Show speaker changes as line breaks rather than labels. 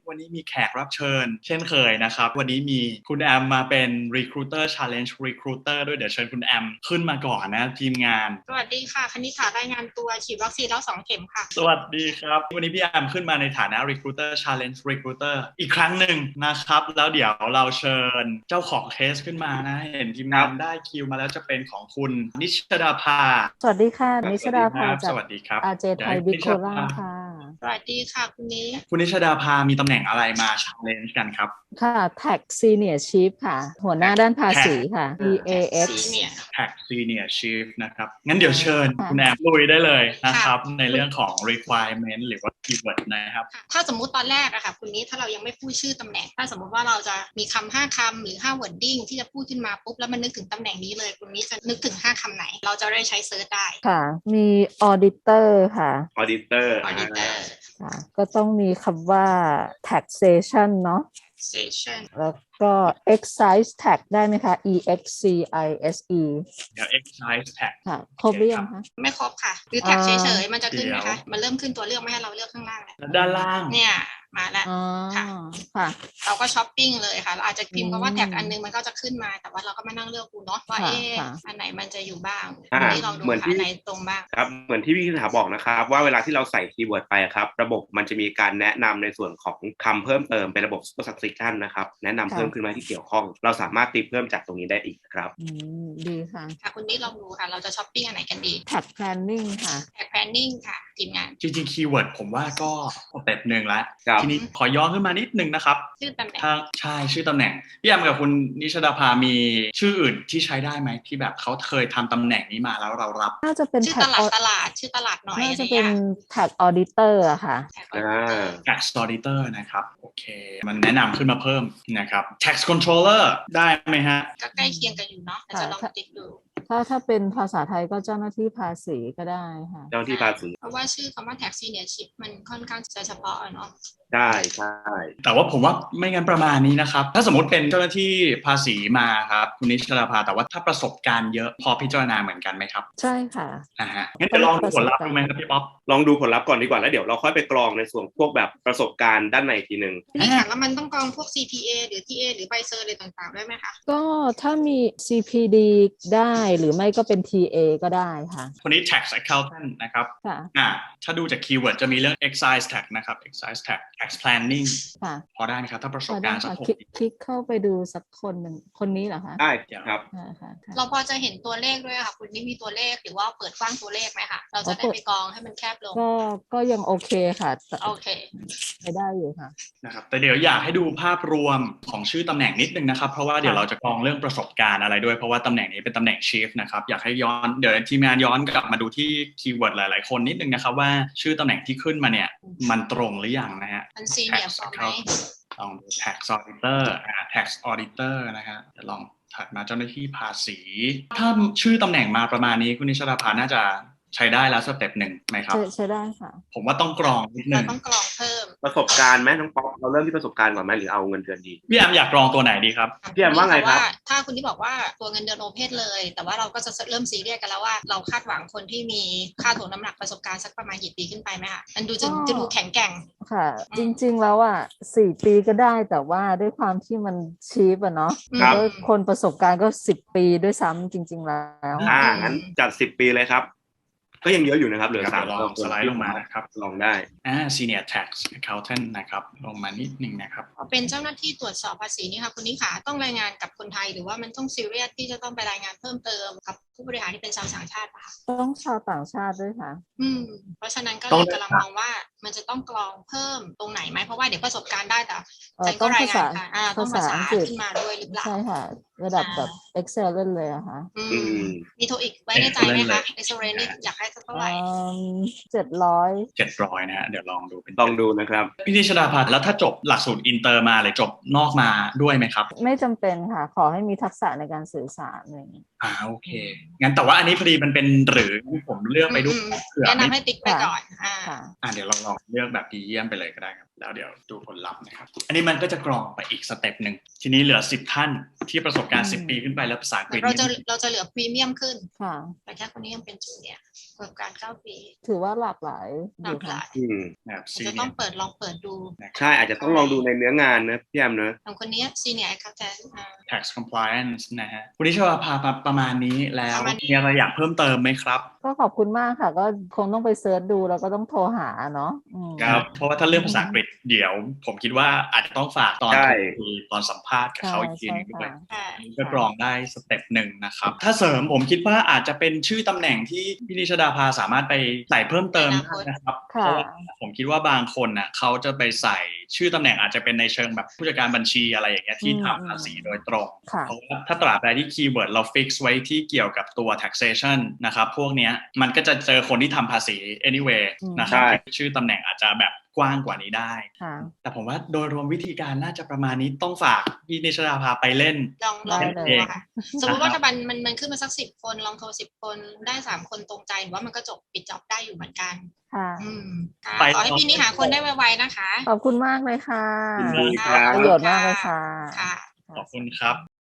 วันนี้มีแขกรับเชิญเช่นเคยนะครับวันนี้มีคุณแอมมาเป็น Recruiter Challenge Recruiter ด้วยเดี๋ยวเชิญคุณแอมขึ้นมาก่อนนะทีมงาน
สวัสดีค่ะคณิษฐารายงานตัวฉีดวัคซีนแล้ว2 เข็มค่ะ
สวัสดีครับวันนี้พี่แอมขึ้นมาในฐานะ Recruiter Challenge Recruiter อีกครั้งหนึ่งนะครับแล้วเดี๋ยวเราเชิญเจ้าของเคสขึ้นมานะเห็นทีมงานได้คิวมาแล้วจะเป็นของคุณนิชดาภา
สวัสดีค่ะนิชดาภาจาก
สวัสดีครับ
RJ ไทยบิ๊กโคล่าค่ะ
สวัสดีค่ะคุณ
นิชดาภามีตำแหน่งอะไรมา challenge กันครับ
ค่ะ Tax Senior Chief ค่ะหัวหน้าด้านภาษีค่ะ
EAX
Tax Senior Chief นะครับงั้นเดี๋ยวเชิญคุณแอมลุยได้เลยนะครับในเรื่องของ requirement หรือว่า keyword นะครับ
ถ้าสมมุติตอนแรกอะค่ะคุณนี้ถ้าเรายังไม่พูดชื่อตำแหน่งถ้าสมมุติว่าเราจะมีคำ5 คำหรือ5 wording ที่จะพูดขึ้นมาปุ๊บแล้วมันนึกถึงตำแหน่งนี้เลยคุณนี้จะนึกถึง5 คำไหนเราจะได้ใช้เซิร์ชได้
ค่ะมี Auditor ค่ะ
Auditor
ค่ะก็ต้องมีคำว่า taxation เนาะ
taxation
แล้วก็ excise tax ได้ไหมคะ EXCISE
เดี๋ยว excise tax
ค่ะครบหรือยังคะ
ไม่ครบค่ะหรือ tax เฉยๆมันจะขึ้นไหมคะมันเริ่มขึ้นตัวเลือกไม่ให้เราเลือกข้างล่างแล้ว
ด้านล่าง
เนี่ยมาแล้วค่ะเราก็ช้อปปิ้งเลยค่ะเราอาจจะพิมพ์คำว่าแท็กอันนึงมันก็จะขึ้นมาแต่ว่าเราก็มานั่งเลือกดูเนาะว่าอันไหนมันจะอยู่บ้างที่เราดูอันไหนตรงบ้าง
ครับเหมือนที่พี่ถาบอกนะครับว่าเวลาที่เราใส่คีย์เวิร์ดไปครับระบบมันจะมีการแนะนำในส่วนของคำเพิ่มเติมเป็นระบบ super subtraction นะครับแนะนำเพิ่มขึ้นมาที่เกี่ยวข้องเราสามารถตีเพิ่มจากตรงนี้ได้อีกครับ
ดีค่ะ
คุณนี่ลองดูค่ะเราจะช้อปปิ้งอันไหนกันดี
Tax Planning ค่ะ
Tax Planning ค่ะทีมงาน
จริงๆคีย์เวิร์ดผมว่าก็สเต็ปหนึ่งแล้วทีนี้ขอย้อนขึ้นมานิดนึงนะครับ
ชื่อตำแหน่ง
ใช่ชื่อตำแหน่งพี่แอมกับคุณนิชดาภามีชื่ออื่นที่ใช้ได้ไหมที่แบบเขาเคยทำตำแหน่งนี้มาแล้วเรารับ
น่าจะเป็น
ชื่อตลาดชื่อตลาดหน่อย
น่าจะเป็น Tax Auditor อะค่ะ
Tax Auditor นะครับโอเคมันแนะนำขึ้นมาเพิ่มนะครับ Tax Controller ได้ไหมฮะ
ก็ใกล้เคียงกันอยู่เนาะจะลองติ๊กดู
ถ้าเป็นภาษาไทยก็เจ้าหน้าที่ภาษีก็ได้ค่ะ
เจ้าหน้าที่ภาษี
เพราะว่าชื่อคำว่า Tax Senior Chief มันค่อนข้างจะเฉพาะเนาะ
ได้
แต่ว่าผมว่าไม่งั้นประมาณนี้นะครับถ้าสมมติเป็นเจ้าหน้าที่ภาษีมาครับคุณนิชดาภาแต่ว่าถ้าประสบการณ์เยอะพอพิจารณาเหมือนกันไหมครับ
ใช่ค่ะ
งั้นเดี๋ยวลองดูผลลัพธ์ดูไหมครับพี่ป๊อป
ลองดูผลลัพธ์ก่อนดีกว่าแล้วเดี๋ยวเราค่อยไปกรองในส่วนพวกแบบประสบการณ์ด้านในทีนึง
นี่ค่ะแล้วมันต้องกรองพวก CPA หรือ TA หรือใบเซอร์อะไรต่างๆได้ไหมคะ
ก็ถ้ามี CPD ได้หรือไม่ก็เป็น TA ก็ได้ค่ะ
คนนี้ tax accountant นะครับถ้าดูจากคีย์เวิร์ดจะมีเรื่อง excise tax นะครับ excise tax tax planning พอได้ไหมครับถ้าประสบการณ์สักคน
คลิกเข้าไปดูสักคนหนึ่งคนนี้เหรอคะ
ได้ครับ
เราพอจะเห็นตัวเลขด้วยค่ะคุณนี่มีตัวเลขหรือว่าเปิดกว้างตัวเลขไหมคะเราจะได้ไปกรองให้มันแคบลง
ก็ยังโอเคค่ะ
โอเค
ได้อยู่ค่ะ
นะครับแต่เดี๋ยวอยากให้ดูภาพรวมของชื่อตำแหน่งนิดนึงนะครับเพราะว่าเดี๋ยวเราจะกรองเรื่องประสบการณ์อะไรด้วยเพราะว่าตำแหน่งนี้เป็นตำแหน่ง Chief นะครับอยากให้เดี๋ยวทีมงานย้อนกลับมาดูที่คีย์เวิร์ดหลายๆคนนิดนึงนะครับว่าชื่อตำแหน่งที่ขึ้นมาเนี่ยมันตรงหรือยังนะฮะ
มันซีเนียร์พอไหม
ลองดู tax auditor tax auditor นะฮะจะลองถัดมาเจ้าหน้าที่ภาษีถ้าชื่อตำแหน่งมาประมาณนี้คุณนิชดาภาน่าจะใช้ได้แล้วสเต็ปหนึ่งไหมครับ
ใช้ได้ค่ะ
ผมว่าต้องกรองนิดนึง
ต้องกรองเพิ่ม
ประสบการณ์ไหมน้องป๊อปเราเริ่มที่ประสบการณ์ก่อนไหมหรือเอาเงินเดือนดี
พี่แอมอยากกรองตัวไหนดีครับ
พี่แอมว่าไงครับ
ถ้าคุณที่บอกว่าตัวเงินเดือนโอเพนเลยแต่ว่าเราก็จะเริ่มซีเรียสกันแล้วว่าเราคาดหวังคนที่มีค่าถ่วงน้ำหนักประสบการณ์สักประมาณกี่ปีขึ้นไปไหมคะมันดูจะดูแข็งแกร่ง
ค่ะจริงๆแล้ว4 ปีก็ได้แต่ว่าด้วยความที่มันชีพเนาะแล้วคนประสบการณ์ก็10 ปีด้วยซ้ำจริงๆแล้ว
งั้นจัด10 ปีเลยครับก็ยังเยอะอยู่นะครับเหลือ3
ลองสไลด์ลงมานะครับ
ลองได้
Senior Tax Accountant นะครับลงมานิดนึงนะครับ
เป็นเจ้าหน้าที่ตรวจสอบภาษีนี่ค่ะคุณนิขาต้องรายงานกับคนไทยหรือว่ามันต้องซีเรียสที่จะต้องไปรายงานเพิ่มเติมกับผู้บริหารที่เป็นชาวต่างชาติป่ะ
ต้องชาวต่างชาติด้วยค่ะ
เพราะฉะนั้นก็เลยกำลังมองว่ามันจะต้องกรองเพิ่มตรงไหนไหมเพราะว่าเดี๋ยวประสบการณ์ได้แต่
ต้องภาษา
ต้องภาษาขึ้นมาด้วยหรือเปล่า
ใช่ค่ะระดับแบบ excellent เลยอะค่ะ
มีโทรอีกไว้ในใจไหมคะ excellent นี่อยากให้เท่าไหร่
700
นะฮะเดี๋ยวลอง
ดูนะครับ
พี่นิชดาภาแล้วถ้าจบหลักสูตรอินเตอร์มาหรือจบนอกมาด้วยไหมครับ
ไม่จำเป็นค่ะขอให้มีทักษะในการสื่อสารอะไรอย่างนี้
โอเคงั้นแต่ว่าอันนี้พอดีมันเป็นหรือผมเลือกไปด้วยเผื่อ
แนะนำให้ติ๊กไปก่อน
เดี๋ยวเราลองเลือกแบบดีเยี่ยมไปเลยก็ได้ครับแล้วเดี๋ยวดูผลลัพธ์นะครับอันนี้มันก็จะกรองไปอีกสเต็ปหนึ่งทีนี้เหลือ10ท่านที่ประสบการณ์10ปีขึ้นไปแล้วภาษาอังกฤษ
เราจะเหลือพรีเมียมขึ้นแต่แค่คนนี้ยังเป็นจูเนียร์ประสบการณ์9 ปี
ถือว่าหลากหลาย
จะต้องลองเปิดดู
ใช่อาจจะต้องลองดูในเนื้องานนะพี่แอมนะ
ของคนนี้ซีเนียร์เขาจะ
tax compliance นะฮะวันนี้ชวพาประมาณนี้แล้วมีอะไรอยากเพิ่มเติมไหมครับ
ก็ขอบคุณมากค่ะก็คงต้องไปเซิร์ชดูแล้วก็ต้องโทรหาเนาะ
ครับเพราะว่าถ้าเรื่องภาษาอังกฤษเดี๋ยวผมคิดว่าอาจจะต้องฝากตอนสัมภาษณ์กับเขาอีกทีนึงด้วยก็กรองได้สเต็ปหนึ่งนะครับถ้าเสริมผมคิดว่าอาจจะเป็นชื่อตำแหน่งที่พี่นิชดาภาสามารถไปใส่เพิ่มเติมนะครับเพราะว่าผมคิดว่าบางคนน่ะเขาจะไปใส่ชื่อตำแหน่งอาจจะเป็นในเชิงแบบผู้จัดการบัญชีอะไรอย่างเงี้ยที่ทำภาษีโดยตรงเพราะว่าถ้าตราบใดที่คีย์เวิร์ดเราฟิกซ์ไว้ที่เกี่ยวกับตัว taxation นะครับพวกเนี้ยมันก็จะเจอคนที่ทำภาษี anyway นะครับชื่อตำแหน่งอาจจะแบบกว้างกว่านี้ได้แต่ผมว่าโดยรวมวิธีการน่าจะประมาณนี้ต้องฝากพี่นิชดาภาไปเล่น
ลองดูค่ะสมมติว่าถ้ามันขึ้นมาสัก10 คนลองโทร10 คนได้3 คนตรงใจหรือว่ามันก็จบปิดจ็อบได้อยู่เหมือนกันขอให้พี่นี้หาคนได้ไวๆนะคะ
ขอบคุณมากเลยค่ะ
ประ
โยชน์มากเลยค่ะ
ขอบคุณครับ